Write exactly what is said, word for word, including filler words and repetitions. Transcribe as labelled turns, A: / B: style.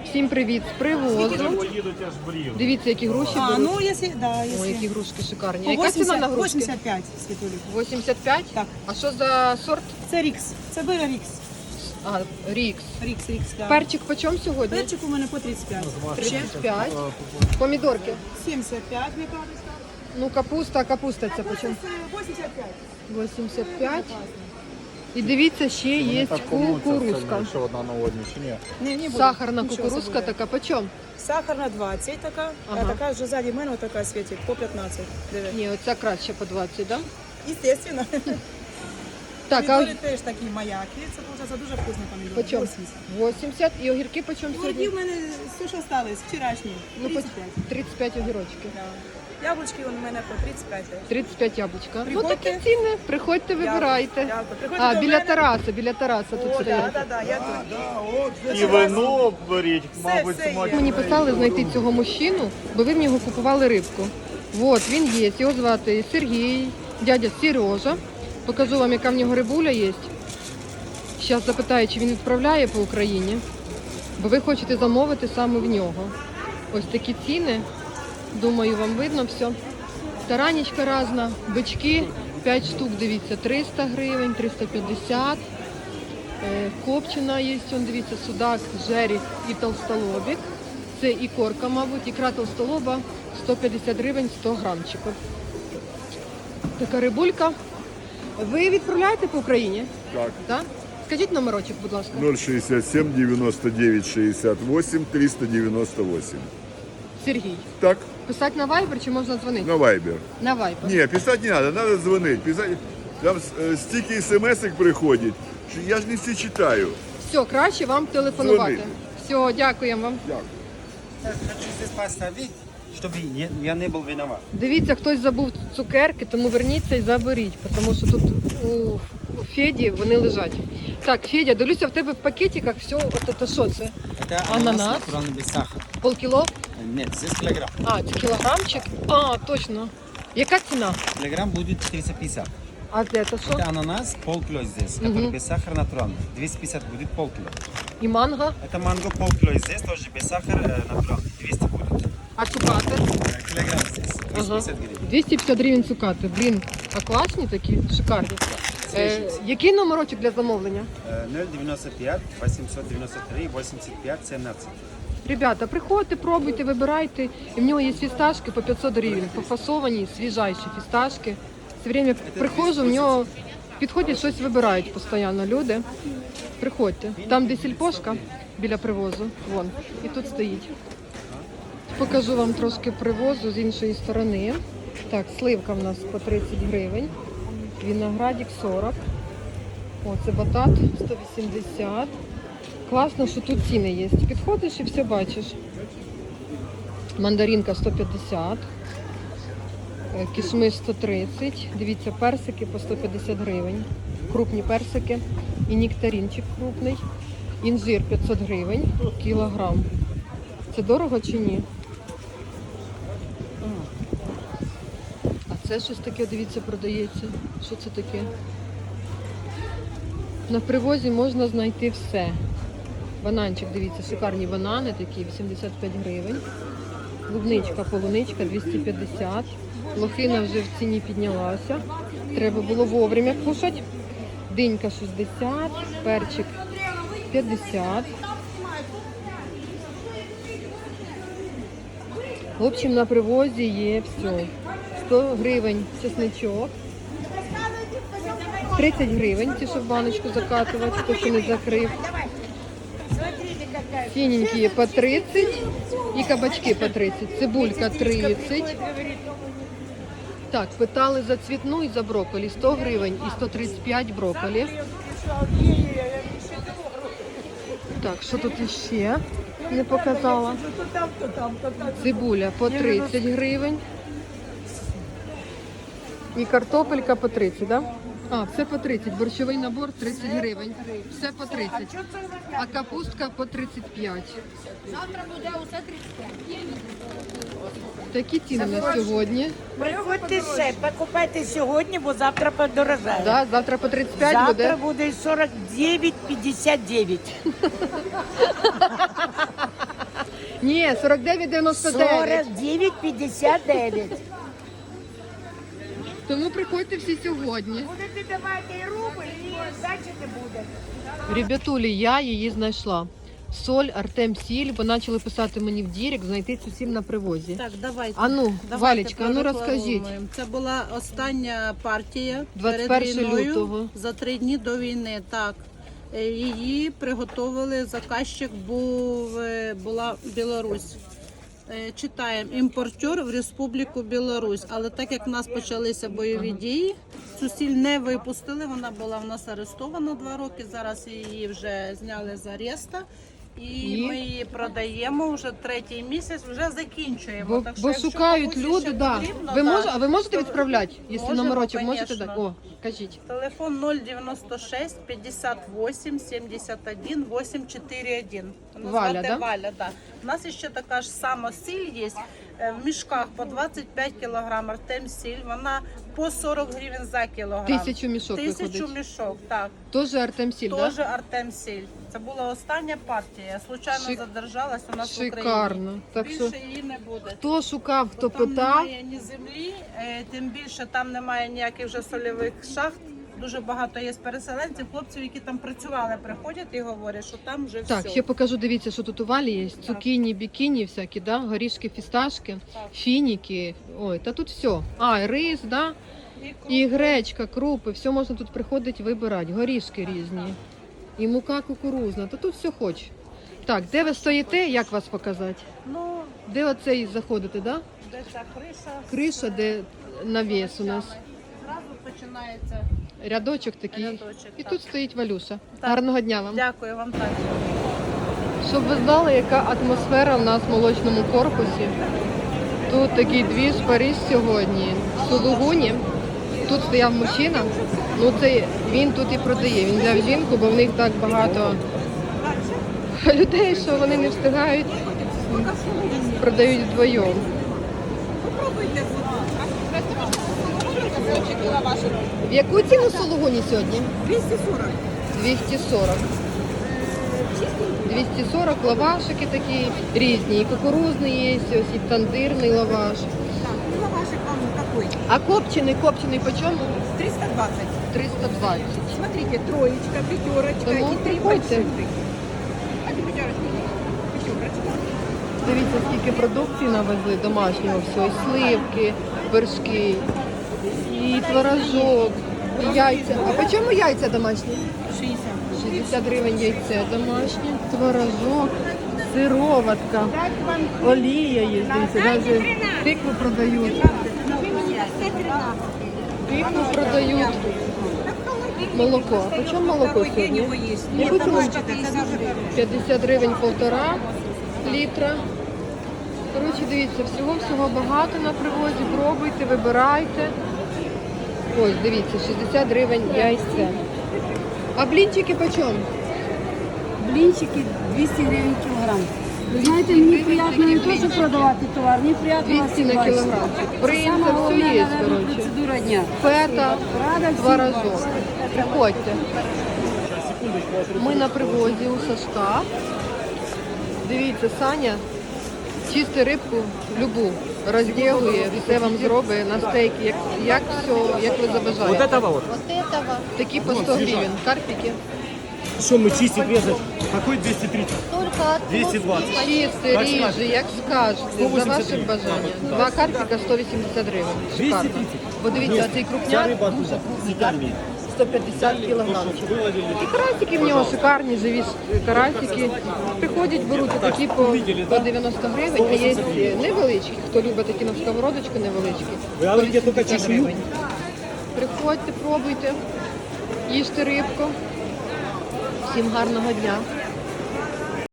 A: Всім привіт з привозу. Дивіться, які груші
B: А,
A: беруть.
B: ну, если, да, если...
A: Ой, які грушки шикарні.
B: По
A: А яка ціна на грушки?
B: вісімдесят п'ять, Світулі.
A: вісімдесят п'ять?
B: Так.
A: А що за сорт?
B: Це Рікс. Це Бира Рікс.
A: А, Рікс.
B: Рікс, Рікс, так.
A: Перчик по чому сьогодні?
B: Перчик у мене по тридцять п'ять.
A: тридцять п'ять. Помідорки.
B: сімдесят п'ять, мені кажется.
A: Ну, капуста, капуста це по чому?
B: вісімдесят п'ять.
A: вісімдесят п'ять. І дивіться, ще є кукурузка.
C: Ще одна на одній, чи ні?
B: Не, не буде.
A: Сахарна
B: Нічого
A: кукурузка
B: буде.
A: така по чому?
B: Сахарна двадцять така,
A: Ага.
B: а така вже ззаді мене така світить по п'ятнадцять. Диви.
A: Ні, оця краще по двадцять, так?
B: Естественно.
A: Так, а
B: Помідори теж такі маяки. Це, виходить, дуже вкусний помідор.
A: по чому?
B: вісімдесят.
A: вісімдесят. І огірки по чому
B: Огірки
A: сьогодні?
B: в мене все, що осталось, вчорашні.
A: Ну, по
B: тридцять п'ять.
A: тридцять п'ять огірочки.
B: Да. Яблучки у мене по тридцять п'ять.
A: тридцять п'ять яблучка. Ну
B: Приходьте.
A: такі ціни. Приходьте, вибирайте.
B: Дякую. Приходьте
A: А,
B: до
A: біля
B: мене.
A: Тараса, біля Тараса тут
B: О,
A: сидить.
B: да, да, да, я тут.
C: І вино беріть, мабуть,
B: все є.
C: смачно.
A: Мені писали знайти цього мужчину, бо ви в нього купували рибку. От, він є, його звати Сергій, дядя Сережа. Покажу вам, яка в нього рибуля є. Зараз запитаю, чи він відправляє по Україні, бо ви хочете замовити саме в нього. Ось такі ціни. Думаю, вам видно все. Таранічка різна, бички, п'ять штук, дивіться, триста гривень, триста п'ятдесят. Е, Копчена є, он, дивіться, судак, жеріх і толстолобік. Це і корка, мабуть, ікра толстолоба, сто п'ятдесят гривень, сто грамчиків. Така рибулька. Ви відправляєте по Україні?
D: Так.
A: Так? Скажіть номерочок, будь ласка.
D: ноль шестьдесят семь девяносто девять шестьдесят восемь триста девяносто восемь.
A: Сергій.
D: Так,
A: Писати на Viber чи можна дзвонити?
D: на Вайбер.
A: На Viber.
D: Не, писать не надо, надо звонить. Писать, там э, стільки смс-ок приходить, що я ж не всі читаю.
A: Все, краще вам телефонувати.
D: Дзвонити.
A: Все, дякуємо вам.
D: Дякую.
E: Хочу здесь поставить, чтобы я я не был виноват.
A: Дивіться, хтось забув цукерки, тому верніться і заберіть, тому що тут у, у Феді вони лежать. Так, Федя, дивлюся, в тебе в пакетиках все, от це що це?
E: Это
A: Ананас?
E: натуральный без сахара.
A: Полкіло?
E: Нет, здесь килограмм.
A: А, це кілограмчик? А, точно. Яка ціна?
E: Килограмм будет триста пятьдесят.
A: А це що?
E: Это ананас полкило здесь, который без сахара натуральный. двести пятьдесят будет полкило.
A: І манго?
E: Это манго полкило здесь, тоже без сахара э, натуральный. двести будет.
A: А цукати?
E: Э, Килограмм здесь, двести пятьдесят гривен.
A: двісті п'ятдесят гривень цукати. Блін, а класні такі, шикарні. Е, який номерочок для замовлення?
E: Э, ноль девяносто пять восемьсот девяносто три восемьдесят пять семнадцать.
A: Ребята, приходьте, пробуйте, вибирайте. І в нього є фісташки по п'ятсот гривень, пофасовані, свіжайші фісташки. Все время приходжу, в нього підходять, щось вибирають постійно люди. Приходьте. Там, де сільпошка, біля привозу, вон, і тут стоїть. Покажу вам трошки привозу з іншої сторони. Так, сливка в нас по тридцять гривень, виноградик сорок. О, це батат сто вісімдесят. Класно, що тут ціни є. Підходиш і все бачиш. Мандаринка сто п'ятдесят, е, кішмиш сто тридцять. Дивіться, персики по сто п'ятдесят гривень. Крупні персики. І нектаринчик крупний. Інжир п'ятсот гривень, кілограм. Це дорого чи ні? А це щось таке, дивіться, продається. Що це таке? На привозі можна знайти все. Бананчик, дивіться, шикарні банани такі, вісімдесят п'ять гривень. Клубничка, полуничка, двісті п'ятдесят. Лохина вже в ціні піднялася. Треба було вовремя кушати. Динька шістдесят, перчик п'ятдесят. В общем, на привозі є все. сто гривень чесничок. тридцять гривень, ті, що в баночку закатувати, хто ще не закрив. Синенькі по тридцять і кабачки по тридцять. Цибулька тридцять. Так, питали за цвітну і за брокколі. сто гривень і сто тридцять п'ять брокколі. Так, що тут іще не показала? Цибуля по тридцять гривень. І картопелька по тридцять, так? Да? А, все по тридцять. Борщовий набор тридцять гривень. Все по тридцять. А капустка по тридцять п'ять.
F: Завтра буде усе тридцять п'ять.
A: Такі ціни на сьогодні.
G: Приходьте ще, покупайте сьогодні, бо завтра подорожає.
A: Да, завтра по тридцять п'ять
G: Завтра
A: буде.
G: буде сорок дев'ять п'ятдесят дев'ять.
A: Ні, сорок дев'ять дев'яносто дев'ять.
G: сорок дев'ять п'ятдесят дев'ять.
A: Тому приходьте всі сьогодні.
G: Будете давати і рубль, і здачі не буде.
A: Ребятулі, я її знайшла. Соль, Артем Сіль, бо почали писати мені в дірек, знайти цю сіль на привозі.
H: Так, давайте.
A: А ну,
H: Давайте
A: Валечка, а ну
H: прорекламуємо.
A: розкажіть.
H: Це була остання партія
A: двадцять
H: перед
A: першого
H: війною,
A: лютого.
H: за три дні до війни. Так. Е, Її приготовили, заказчик був, е, була Білорусь. Е, Читаємо, імпортер в Республіку Білорусь. Але так як в нас почалися бойові дії, цю сіль не випустили, вона була в нас арестована два роки, зараз її вже зняли з ареста. І,
A: І?
H: ми її продаємо вже третій місяць, вже закінчуємо.
A: Бо,
H: Так що,
A: бо
H: якщо
A: шукають
H: комусь
A: люди,
H: ще
A: да.
H: потрібно,
A: Ви
H: да,
A: мож, а ви можете
H: то
A: відправляти? Якщо
H: можемо,
A: номерочок можете
H: конечно.
A: дати? О, кажіть.
H: Телефон ноль дев'яносто шість п'ятдесят вісім сімдесят один вісім чотири один.
A: Валя,
H: Звати
A: да?
H: Валя, да. У нас ще така ж сама сіль є. е, В мішках по двадцять п'ять кілограм Артем сіль. Вона по сорок гривень за кілограм.
A: Тисячу мішок
H: Тисячу
A: виходить.
H: мішок, так.
A: Теж Артем Сіль,
H: Теж
A: так?
H: Артем сіль. Це була остання партія. Я случайно
A: Шик-
H: задержалась у нас в Україні.
A: Шикарно. Так
H: Більше
A: що
H: її не буде.
A: хто шукав, хто
H: Там
A: питав,
H: немає ні землі, е, тим більше там немає ніяких вже сольових шахт. Дуже багато є переселенців, хлопців, які там працювали, приходять і говорять, що там вже
A: так,
H: все.
A: ще покажу, дивіться, що тут у Валі є. Цукіні, бікіні всякі, да? Горішки, фісташки, фініки. Ой, та тут все. А, і рис, да? І гречка, крупи, все можна тут приходити вибирати. Горішки різні. І мука кукурузна, та тут все хоч. Так, де ви стоїте, як вас показати?
H: Ну,
A: Де оцей заходите, да?
H: де ця криша?
A: Криша, де навіс у нас.
H: Зразу починається.
A: Рядочок такий.
H: Рядочок,
A: І
H: так.
A: тут стоїть Валюша.
H: Так.
A: Гарного дня вам.
H: Дякую вам так.
A: Щоб ви знали, яка атмосфера в нас в молочному корпусі. Тут такий двіж Париж сьогодні. В Сулугуні. Тут стояв мужчина. Ну це він тут і продає. Він взяв жінку, бо в них так багато людей, що вони не встигають. Продають вдвоєм. В яку ціну сулугуні сьогодні?
B: двісті сорок.
A: двісті сорок. двісті сорок лавашики такі різні. І кукурузний є, ось і тандирний лаваш.
B: Ну, лавашик вам какой?
A: А копчений, копчений по чому?
B: триста двадцать.
A: триста двадцять.
B: Смотрите, троечка, пятерочка
A: Тому
B: и три
A: приходьте.
B: больших. А ты пятерочка? Пятерочка.
A: Дивіться, скільки продукції навезли домашнього всього. І сливки, вершки, і творожок, і яйця. А по чому яйця домашні?
B: шестьдесят.
A: шістдесят гривень яйце домашнє, творожок, сироватка, олія є, дивіться, навіть тикву продають. Тикву продають. Молоко. А по чому молоко сьогодні? Я хочу п'ятдесят гривень полтора літра. Коротше, дивіться, всього-всього багато на привозі. Пробуйте, вибирайте. Ось, дивіться, шістдесят гривень яйце. А блінчики по чому?
I: Блинчики двісті гривень кілограм. Ви знаєте, мені приємно не то, що продавати товар, мені приємно вас
A: двісті на
I: бачити.
A: кілограмчик. Принцип,
I: Сама
A: все
I: головна,
A: є,
I: наверное,
A: коротше.
I: процедура дня.
A: Фета,
I: Рада всім
A: творожок.
I: бачити.
A: Приходьте. Ми на привозі у Сашка. Дивіться, Саня чисти рибку любу, розділує, все вам зробить на стейки, як, як все, як ви забажаєте.
J: Вот этого вот.
A: Вот этого. Такі по сто гривень. Карпики.
J: Что мы чистить, резать? Какой двести тридцать? двести двадцать.
A: Чисти, ріжі, як скажете, за
J: сто вісімдесят
A: ваше
J: гривень.
A: бажання.
J: Да.
A: Два карпика сто вісімдесят гривень. Шикарно.
J: двести тридцать.
A: Бо дивіться, цей
J: Вся
A: крупняк
J: рыба оттуда, с Италии.
A: сто п'ятдесят кілограмчик.
J: Выловили.
A: І карасики в нього шикарні, живі карасики. Приходять, беруть такі по, по дев'яносто гривень, а є невеличкі, хто любить такі на сковородочку невеличкі.
J: Ви говорите,
A: сто
J: тільки
A: вісімдесят
J: чешую?
A: гривень. Приходьте, пробуйте, їжте рибку. Всім гарного дня.